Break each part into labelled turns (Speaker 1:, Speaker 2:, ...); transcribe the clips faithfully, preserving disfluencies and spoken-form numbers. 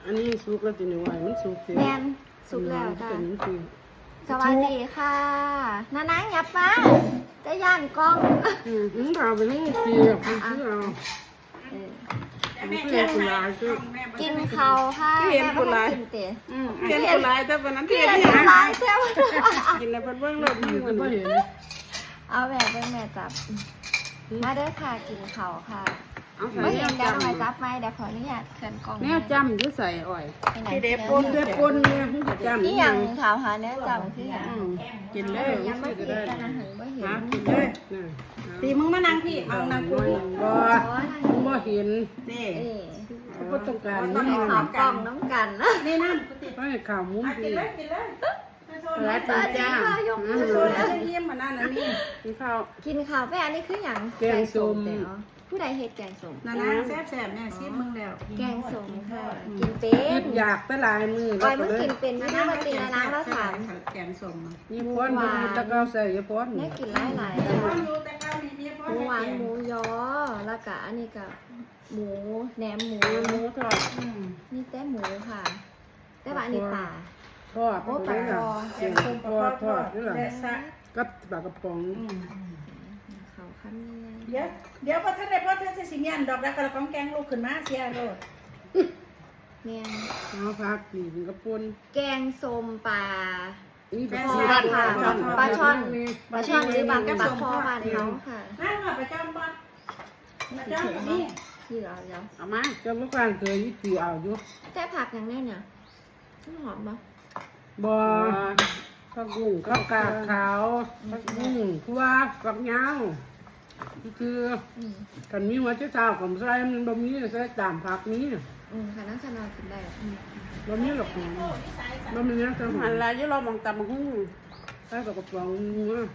Speaker 1: อันนี้สุกแล้วติหนูไว้มันสุกเสีย
Speaker 2: แมนสุกแล้วจ้ะ
Speaker 1: เป็นคือ
Speaker 2: สวัสดีค่ะน้านังยับมาจะย่านกล้อง
Speaker 1: อืมมันเอาไปทั้งเสียบมันคือเอา
Speaker 2: เออ
Speaker 1: มันเสียบหลายคือ
Speaker 2: กินเขาวค่ะ
Speaker 1: เห็น
Speaker 2: แม่
Speaker 1: คนร้าย
Speaker 2: กินเตะ
Speaker 1: อืมเห็นคนหลายแต่วันนั้น
Speaker 2: เพี
Speaker 1: เห็
Speaker 2: ย
Speaker 1: น
Speaker 2: น
Speaker 1: ที่
Speaker 2: คน
Speaker 1: หา
Speaker 2: ร้ายเจ้า
Speaker 1: กินแล้วเพิ่นเบิ่งรถอยู่มันบ่เห็น
Speaker 2: เอาแบบเป็นแม่จับมาเด้อค่ะกินเขาวค่ะ
Speaker 1: เอาใส่
Speaker 2: ไม่
Speaker 1: แน
Speaker 2: เห็
Speaker 1: วน
Speaker 2: เดี๋ยว
Speaker 1: จำ
Speaker 2: หน่อยจับไหมเดี๋ยวขออนุญาตเชิญกล้อง
Speaker 1: แนวจำอยู่ใส่อ้อย
Speaker 2: ไปไหน
Speaker 1: ที่เด็
Speaker 2: เด็
Speaker 1: บปนเด็บปนเนี่ยมันจะจำ
Speaker 2: นี่ยังถามหาแนวจับที่ยัง
Speaker 1: อืมกินเลย
Speaker 2: ยังไม่
Speaker 1: ก็
Speaker 2: เห็น
Speaker 1: ได้
Speaker 2: กันนะหันไม่เห็น
Speaker 1: หากินเลยน่ะ
Speaker 3: ตีมึงมานั่งพี่เอานั่งคุย
Speaker 1: บ่มันบ่เห็น
Speaker 3: นี่
Speaker 2: เอ๊ะ
Speaker 1: เขาบ่ต้องการ
Speaker 2: ต้
Speaker 1: นี่
Speaker 2: อง
Speaker 1: มัน
Speaker 2: ขาวกล้องน้ำกันนะ
Speaker 3: นี่นั่งกูติด
Speaker 1: ให้ข่าวมุ้ง
Speaker 3: กิ
Speaker 1: ดี
Speaker 3: นเลยกินเลย
Speaker 1: หลายตัวจ้า
Speaker 3: โซนแล้วเยี่ยมมานั่นนะนี่
Speaker 1: กินข้าว
Speaker 2: กินข้าวไปอันนี้คืออย่าง
Speaker 1: แกงส้ม
Speaker 2: แกงส้ผู้ใดเฮ็ดแกงส้ม
Speaker 3: นั่นนะแซ่บแซ่บเนี่ยชิมมึงแล้ว
Speaker 2: แกงส้มค่ะ กินเป็
Speaker 1: คิ
Speaker 2: น
Speaker 1: ดอยากไปหลายมือ
Speaker 2: ปล่อยมึงกินเป็นไม่ได้มาตีนะน้ำแล้วถาม
Speaker 3: แกงส้ม
Speaker 1: ยี่ป้อนบ่มีตะเกาใส่ยี่ป้อน
Speaker 2: เนี่ยกินหลายหลาย
Speaker 3: แต่ว่าอยู่แต่ข้าวมีเมีย
Speaker 2: ห
Speaker 3: พ่อ
Speaker 2: มูหวาน
Speaker 3: แกง
Speaker 2: หมูยอแล้วก็อันนี้ก็หมูแหนมหมู
Speaker 1: หมูทอด
Speaker 2: นี่แต่หมูค่ะ แต่ว่าอันนี้ป่า
Speaker 1: ทอดเสียงทอดทอดนี่แหละ
Speaker 3: และซะ
Speaker 1: กับปลากระป๋อง
Speaker 2: เขาคั้นนี่
Speaker 3: เดี๋ยวเดี๋ยวพอท่านได้พอท่านจะสิเมียนดอกแล้วก็ของแกงลูกขึ้นมาเสียโลด
Speaker 2: เนี่ย
Speaker 1: เอาผักนี่กระปุน
Speaker 2: แกงส้มปลา
Speaker 1: นี่ปลา
Speaker 2: ปลาช่อนปลาช่อนปลาช่อนหรือบางกระปลาคอบ้านเขาค่ะ
Speaker 3: นั่งมาประจำบ้านประจำนี่
Speaker 2: ที่เราเดี๋ยว
Speaker 1: เอามาเจ้าลูกกลางเคยยี่ปีเอาอยู่
Speaker 2: แต่ผักอย่างนี้เนี่ยมันหอมปะ
Speaker 1: บ่ข้าวกุ้งข้าวกาขาวข้าวกุ้งคั่วกับยาวคือ
Speaker 2: อืม
Speaker 1: กันมีหัวเจ้าเท้ากับใส่มันบะหมี่ใส่ตามผักนี้
Speaker 2: อืมค่ะนั่งสนอนกินได้อืม
Speaker 1: บะหมี่หรอกบะหมี่นะจังหันลายยี่เรามองตามหุ้งใส่กับกระป๋องนัว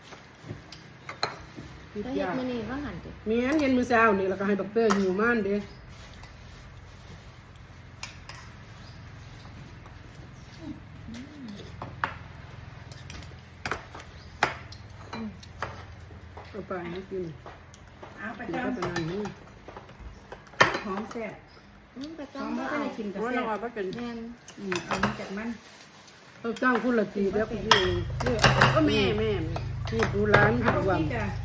Speaker 2: แล้วเฮ็ดมื้อนี้ว่าหันติ
Speaker 1: มีอันเย็นมื้อเช้านี่แล้วก็ให้ดอกเตอร์อยู่ม่านเด้เอาไปให้กิน
Speaker 3: เอาประ
Speaker 1: กิน
Speaker 3: จ
Speaker 1: ก็เป็นอันนี้
Speaker 3: ำหอมแซ่บ
Speaker 2: อืมประ
Speaker 3: หอม
Speaker 2: จำ
Speaker 3: ไม่
Speaker 2: บ่
Speaker 3: ได้
Speaker 2: เอา
Speaker 3: กินกับ
Speaker 1: เพราะ
Speaker 3: แซ่
Speaker 1: เรา
Speaker 3: บ
Speaker 1: เอาไปเป็น
Speaker 2: แม่น
Speaker 3: อืมเอามาจากมัน
Speaker 1: เราจ้างคุณละตีแล้วก็อยู่ก็แม่แม่ที่ดูร้าน
Speaker 3: เอา
Speaker 1: ทุกวัน
Speaker 3: พี่จ้ะ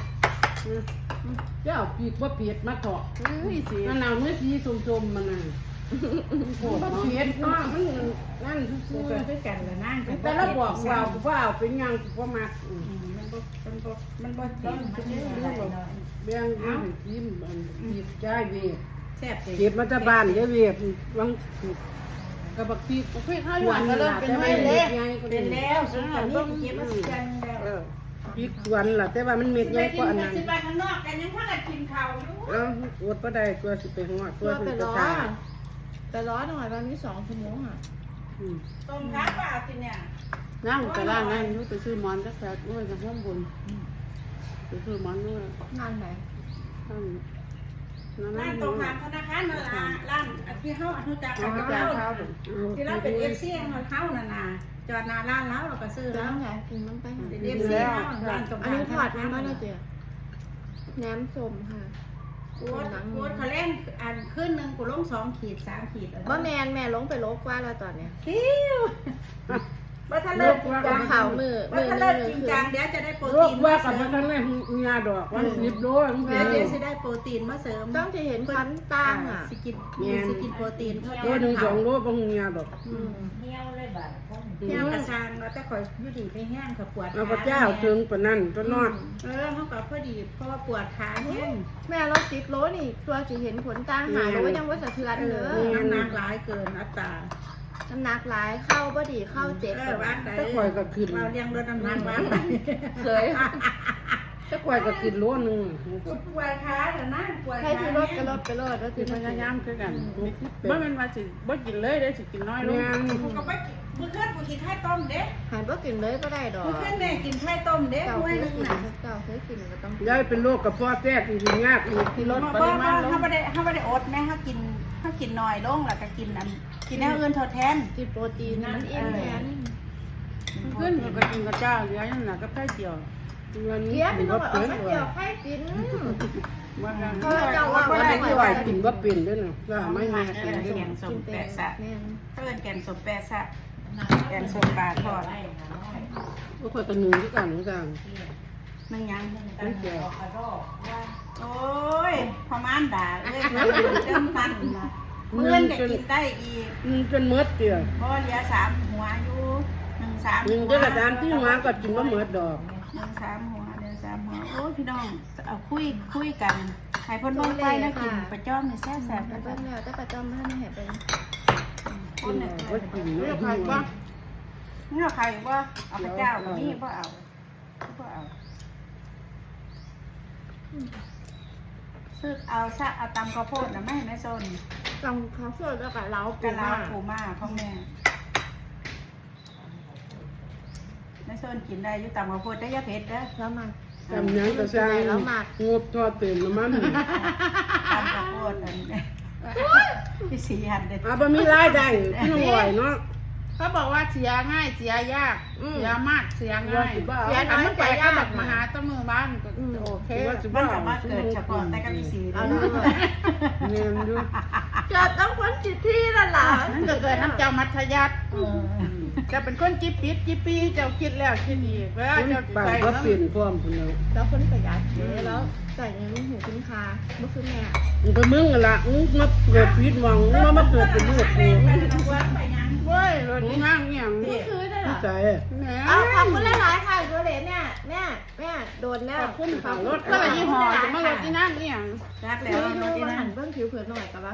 Speaker 1: เจ้าปีกว่าเปียดมาเถาะมันเอาเมื่อสีส้มๆมันน่ะโอ้เปียดมากมันนั่นซื่
Speaker 3: กู
Speaker 1: อ
Speaker 3: ก็คือกันละนั่ง
Speaker 1: ๆแต่เราบอกว่าว่าเอาเป็นยังว่ามา
Speaker 3: มันบ่มันบ่มันบ่
Speaker 1: ต้
Speaker 3: ติ
Speaker 1: อง
Speaker 3: ด
Speaker 1: เรื่องแบบเบี้ยงเรื่องยิ้มปีกใจเวียด
Speaker 3: แซ่บเลย
Speaker 1: เก็บมาจากบ้านเยอะเวียดบางกระบักปีกเพื่อข้าวหวานก็เริ่มเป็นไม่เล็กไง
Speaker 3: เป็นแล้วสุดท้ายนี่เก็บมาสิจังแล้ว
Speaker 1: เออปีกหวานล่ะแต่ว่ามันเม็ดใหญ่กว่าอันนั้น
Speaker 3: สิไปข้างนอกกันยังพากันกินข้าวอยู่
Speaker 1: เอ้าอวดบ่ได้ตัวสิไปหัวตั
Speaker 2: ตัว ว
Speaker 1: สิ
Speaker 2: ไป
Speaker 1: ไป
Speaker 2: ร้อ
Speaker 1: ตาย
Speaker 2: ไปร้อหน่อยวันนี้สองชั่วโมงอ่ะ
Speaker 1: อืม
Speaker 3: ต้มข้าวเปล่ากินเนี่ย
Speaker 1: นั่งไปร้านนั่นนู้ไปซื้อหมอนจักแซ่ด้วยกับห้องบนไปซื้อหมอนด้วย
Speaker 2: งานไหน
Speaker 1: นั่นนั่น
Speaker 3: ร้า
Speaker 1: นั่
Speaker 3: น
Speaker 1: น
Speaker 3: ตรงข้ามธนาคารนั่นล่ะร้านที่เฮาอนุจักรกับเราที่เราเป็น เอฟ ซี ของเฮานั่นน่ะจอดหน้าร้านแล้วเราก็ซื้อ
Speaker 2: แล้
Speaker 3: แล้วว
Speaker 2: ไงกินมันไปหา
Speaker 3: เป็น เอฟ ซี เฮาร้านตรง
Speaker 2: อัน
Speaker 3: ข้าม
Speaker 2: นี้ถอดมันบ้างนะเจ๊แหนมส้มค่ะ
Speaker 3: กูกูเขาเล่นอันขึ้นนึงกูลงสองขีดสามขีด
Speaker 2: ว่าแมนแม่ลงไปลบว่าแล้วตอนเนี้ย
Speaker 3: คิวบ่ทันเลิกจริงจัง
Speaker 2: ข่าวมือ
Speaker 3: บ่ทันเลิกจริงจังเดี๋ยวจะได้โปร
Speaker 1: โร
Speaker 3: ตี
Speaker 1: คน ว่า
Speaker 3: มา
Speaker 1: กับ
Speaker 3: เสริ
Speaker 1: มัน
Speaker 3: ม
Speaker 1: ทั้งแรกงาดอกวันสิบโลมัน
Speaker 3: เดี๋
Speaker 1: เป็
Speaker 3: ยวน เดี๋ยวสิได้โปรตีนมาเสริม
Speaker 2: ต้องจะเห็นควันต่างอ่ะ
Speaker 3: สิกินสิกินโปรตีน
Speaker 1: ตัวหนึ่งสองโลบางงาดอก
Speaker 2: อืม
Speaker 3: เที่ยวกระชางเราแต่ข่อยอยู่ดีไปแห้งกับปวด
Speaker 1: เอาพระเจ้าถึงปานนั้นตัวนอด
Speaker 3: เออเขาก็พอดีเพราะว่าปวดขาแห้ง
Speaker 2: แม่เราติดโลนี่ ตัวจะเห็นผลต่างหาโลยังว่าสะเทือน
Speaker 3: เอ
Speaker 2: เล
Speaker 3: อย น้ำหนักหลายเกินอัตรา
Speaker 2: น้ำหนักหลายเข้าบ่ดีเข้าเจ็บ
Speaker 3: เออว่างไหน
Speaker 1: ถ้าควายก็ขึ้น
Speaker 3: เราเลี้ยงรถน้ำหนักว่างไหน
Speaker 2: เคย
Speaker 1: ถ้าควายก็ขึ้นโลนึง
Speaker 3: ปวดขาแต่นั่งปวด
Speaker 2: ใคร
Speaker 3: ขา
Speaker 2: ที่รถก็รถไปรถแล้ว
Speaker 1: คื
Speaker 2: ที่
Speaker 1: อ
Speaker 2: มัน
Speaker 1: พยายามคือกัน
Speaker 4: บ่แม่นว่าสิบ่กินเลยเด้สิกินน้อยลง
Speaker 3: กูก็ไปมือขึ้นกูกินไข่ต้มเด้
Speaker 2: หันบ่กินเลยก็ได้ดอก
Speaker 3: มือขึ้นแม่กินไข่ต้มเด้
Speaker 2: เจ้า
Speaker 3: ห้ว
Speaker 2: เค
Speaker 3: ย
Speaker 2: ย
Speaker 3: นึง
Speaker 2: กิน
Speaker 3: น่ะ
Speaker 2: เจ้าเคยกินก็ต้อง
Speaker 1: ยายเป็นโรคกระเพาะแทรกจริงๆยากอีก
Speaker 2: ที่รถ
Speaker 3: เพราะว่าเขาไม่ได้เขาไม่ได้อดแม่เขากินเขากินน้อยลงแล้วก็กินอันกินแนวอื่นทดแทน
Speaker 2: กินโปรตีนมันอิ่มแทน
Speaker 4: ขึ้นก็กินกับเจ้าเหลือนั่นน่ะกับไข่เจียว
Speaker 1: วันนี้
Speaker 2: เกี้ย
Speaker 1: ถื
Speaker 2: พี่
Speaker 1: อ
Speaker 2: น้อง
Speaker 1: ว่า
Speaker 2: เอา
Speaker 1: เปิด
Speaker 2: ข้าว
Speaker 1: เล
Speaker 2: เจี
Speaker 1: ย
Speaker 2: ยวให้กิน
Speaker 4: ว่ากัน
Speaker 2: เขาเจ้าว่า
Speaker 1: ว่าได้ที่ว่ากินว่าเป็นด้วยนะว่าไม่แม่กินด้วย
Speaker 3: แกงส
Speaker 2: กิ
Speaker 3: ม
Speaker 2: น
Speaker 3: แปะ
Speaker 2: แต่
Speaker 3: ซะ
Speaker 2: แม่น
Speaker 3: เพิ่นแกงสมแปะซะแกงสมปลาทอด
Speaker 1: ก็คอยตะนึงที่กันที่กัน
Speaker 3: นึ่งยัง
Speaker 1: ไม่แก่
Speaker 3: โอ้ยพม่านด่าเอ้ยเริ่มมันเมื่อนก็กินได้อีก
Speaker 1: อืมจนเมดเดียว
Speaker 3: เพราะเหลือสามหัวอยู่หนึ่งสาม
Speaker 1: หนึ่งเจ้ากระดานที่หัวก็กินว่าเมดดอก
Speaker 3: หนึ่งสามหัวเดือนสามหัวโอ้ยพี่น้องเอาคุยคุยกันให้เพ่นเบิ่งไปแล้วกินประจ้อมนี่แซ่บแซ่บ
Speaker 2: แล้วเบิ่งแล้วแต่ประจอมบ่ทันได้ให้เบิ่ง
Speaker 3: คนเนี่ย
Speaker 1: ว่ากิน
Speaker 4: เรียกใคร
Speaker 1: ว่า
Speaker 4: ว่า
Speaker 3: นี่เอาใครว่าเอาพระเจ้ากับนี่พ่เอาพ่เอาซื้อเอาซะเอาตำข้าวโพดนะแม่แม่โซน
Speaker 2: กำเขาสดแล้วก็เล้าปู
Speaker 3: กะลา
Speaker 2: มา
Speaker 3: ปูมาพ่อแม่แม่โซนกินได้อยู่ตำข้าวโพดได้ยาเผ็ดเด้อ
Speaker 2: แล้วมา
Speaker 1: ทำยังกระซังงบทอดเต็มน้ำมัน
Speaker 3: ตำข้าวโพดอันนี้พี่สีหันเด็ด
Speaker 1: อ่ะบะมีรายได้พี่น้องไหวเนาะ
Speaker 4: เขาบอกว่าเสียง่ายเสียยากเสียมากเสียง่าย
Speaker 1: เสียน้
Speaker 4: อั
Speaker 1: อย
Speaker 4: นมันไป
Speaker 1: เสีย
Speaker 4: ก็
Speaker 1: ยาก
Speaker 4: แบบมาหาต้นมือบ้านก็โอเค
Speaker 1: ว่าจะ
Speaker 3: มั
Speaker 1: บ้าน
Speaker 3: สามารถเกิดเฉพาะแต่กับพี่สี
Speaker 2: เอา
Speaker 3: เนาะ
Speaker 2: ดู
Speaker 1: เงินอยู่
Speaker 2: เกิดต้องคนจิตที่นั่นล่ะ
Speaker 4: นั่นก็เกิดน้ำเจ้ามัธยัติ
Speaker 3: เออ
Speaker 4: จะเป็นคนจิบปิดจิบปีเจ้าคิดแล้วคิดอีกเวลาเจ้า
Speaker 1: ปาก
Speaker 4: ใส่
Speaker 1: ก็
Speaker 4: น้ำ
Speaker 1: เปลี่ยนพร้อมคนเดียว
Speaker 2: แล้วคนประหยัดเด้แล้วใส่ยังหูคุ้มค่าบ่คือแม่
Speaker 1: มึงไปมึงกันละมึงมาเกิดพิษวังมึงมาเกิดเป็นลูกกู
Speaker 3: ไปทำวัดไปยัง
Speaker 4: เว้ยรถง่างเงี้ยง
Speaker 2: บ่คือได้ล่ะ
Speaker 1: ใจ
Speaker 4: แหม
Speaker 2: เอาขอบคุณหลายๆค่ะตัวเหลนเนี่ยแม่แม่โดนแล้ว
Speaker 1: ขอบคุณค่ะรถ
Speaker 4: ก็เลยยี่ห้อจะมารถที่นั่งเงี้ยง
Speaker 3: รักแล้
Speaker 2: คื
Speaker 3: ว
Speaker 2: อ
Speaker 3: เนาะ
Speaker 2: ดู
Speaker 3: ที่
Speaker 2: มา
Speaker 3: นั่
Speaker 2: หั
Speaker 3: น
Speaker 2: นเบื้องผิวเผินหน่อยกับว่า